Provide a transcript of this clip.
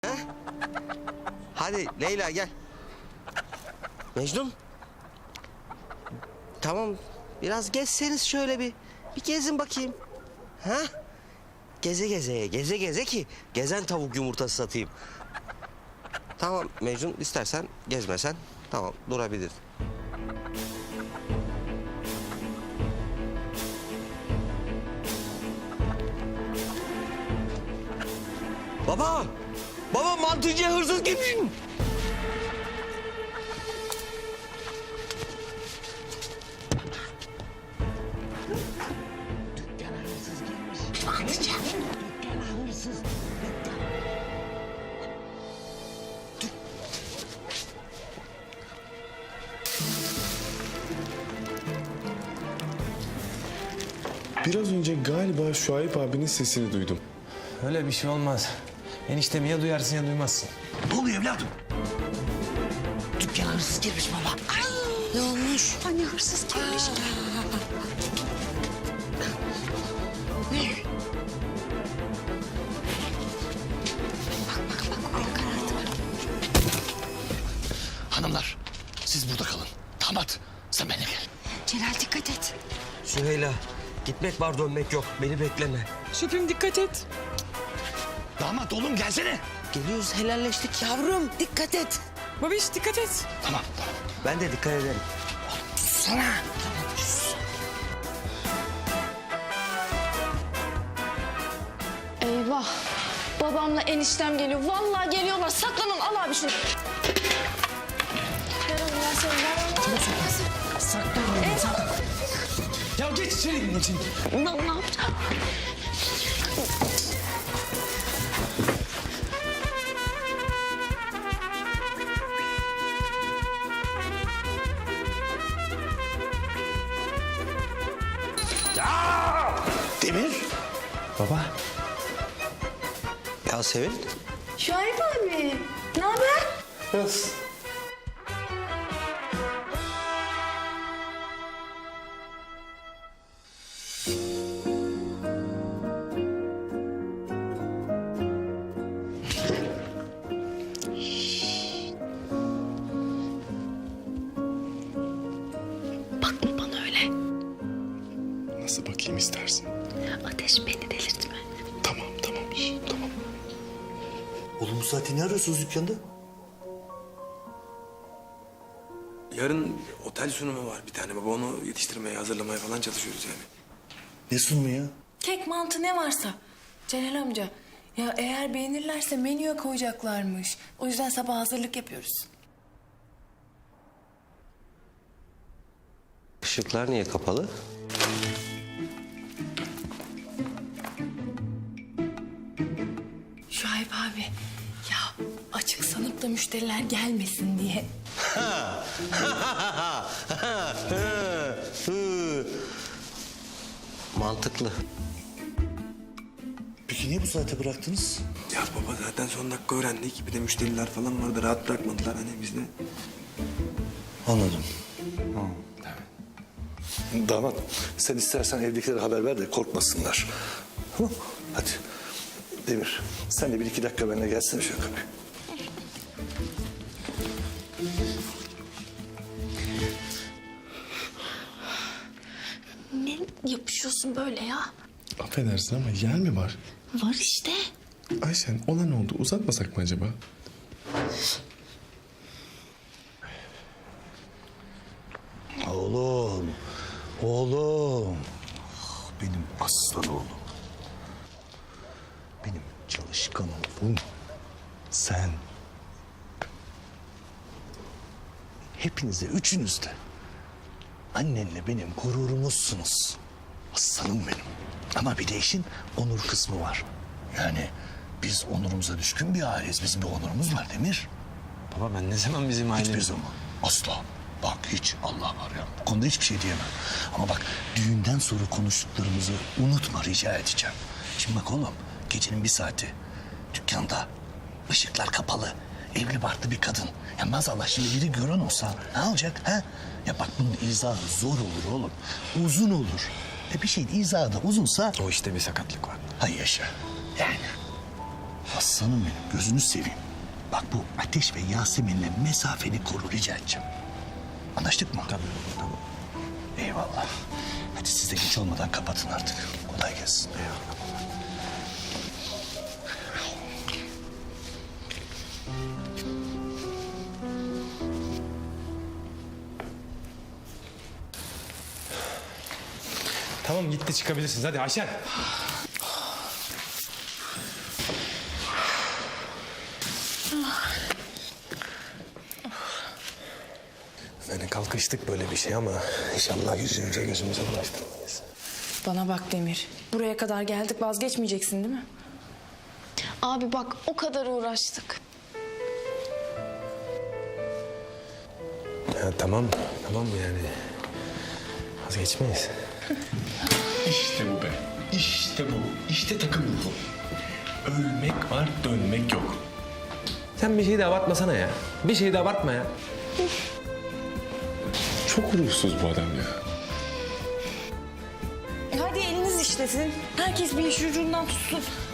Ha? Hadi Leyla gel. Mecnun. Tamam. Biraz gezseniz şöyle bir gezin bakayım. Ha? Geze geze ki gezen tavuk yumurtası satayım. Tamam Mecnun, istersen gezmesen tamam durabilir. Baba! Baba, mantıcıya hırsız girmiş. Dükkana hırsız girmiş. Mantıcı. Dükkana hırsız. Biraz önce galiba Şuayb abinin sesini duydum. Öyle bir şey olmaz. Eniştemi ya duyarsın ya duymazsın. Ne oluyor evladım? Dükkana hırsız girmiş baba. Ay. Ne olmuş? Hani hırsız girmiş. Ne? Bak oraya karardı. Hanımlar, siz burada kalın. Damat, sen benimle gel. Celal dikkat et. Süheyla, gitmek var dönmek yok. Beni bekleme. Şefim dikkat et. Damat oğlum gelsene. Geliyoruz, helalleştik. Yavrum dikkat et. Babiş dikkat et. Tamam. Ben de dikkat ederim. Sana. Eyvah. Babamla eniştem geliyor. Vallahi geliyorlar. Saklanın. Al abi şunu. Ver onu, ver sen, ver onu. Ya geç içeri için. Ne yapacağım? Demir. Baba. Yasemin. Şuayb abi. Ne haber? Nasıl? Bakma bana öyle. Nasıl bakayım istersin? Ateş beni delirtme. Tamam. Tamam. Oğlum bu saatte ne arıyorsunuz dükkanda? Yarın otel sunumu var bir tane baba. Onu yetiştirmeye, hazırlamaya falan çalışıyoruz yani. Ne sunumu ya? Kek, mantı ne varsa. Celal amca, ya eğer beğenirlerse menüye koyacaklarmış. O yüzden sabah hazırlık yapıyoruz. Işıklar niye kapalı? Şuayb abi, ya açık sanıp da müşteriler gelmesin diye. Mantıklı. Peki niye bu saate bıraktınız? Ya baba zaten son dakika öğrendik. Bir de müşteriler falan vardı. Rahat bırakmadılar hani biz de. Anladım. Damat, sen istersen evdekilere haber ver de korkmasınlar. Tamam. Hadi. Demir, sen de 1-2 dakika benimle gelsene şöyle kapıya. Ne yapışıyorsun böyle ya? Affedersin ama yer mi var? Var işte. Ayşen olan oldu. Uzatmasak mı acaba? Oğlum. Oğlum. Benim aslan oğlum. Benim çalışkan oğlum. Sen. Hepinize, üçünüz de. Annenle benim gururumuzsunuz. Aslanım benim. Ama bir de işin onur kısmı var. Yani biz onurumuza düşkün bir aileyiz. Bizim bir onurumuz var Demir. Baba ben ne zaman bizim Hiçbir ailemiz... zaman. Asla. Bak hiç Allah var ya. Bu konuda hiçbir şey diyemem. Ama bak düğünden sonra konuştuklarımızı unutma rica edeceğim. Şimdi bak oğlum gecenin bir saati dükkanda ışıklar kapalı. Evli barklı bir kadın. Ya maazallah şimdi biri gören olsa ne olacak ha? Ya bak bunun izahı zor olur oğlum. Uzun olur. Bir şeyin izahı da uzunsa... O işte bir sakatlık var. Hay yaşa. Yani Aslanım benim, gözünü seveyim. Bak bu Ateş ve Yasemin'le mesafeni koru rica edeceğim. Anlaştık mı? Tamam. Eyvallah. Hadi siz de geç olmadan kapatın artık. Kolay gelsin. Tamam gitti çıkabilirsiniz. Hadi Ayşen. Yani kalkıştık böyle bir şey ama inşallah yüzümüze gözümüze bulaştırmayız. Bana bak Demir. Buraya kadar geldik, vazgeçmeyeceksin değil mi? Abi bak o kadar uğraştık. Ya tamam yani. Vazgeçmeyiz. İşte bu be. İşte bu. İşte takım ruhu. Ölmek var, dönmek yok. Sen bir şeyi de abartmasana ya. Bir şeyi de abartma ya. Çok ruhsuz bu adam ya. Hadi eliniz işlesin. Herkes bir iş ucundan tutsun.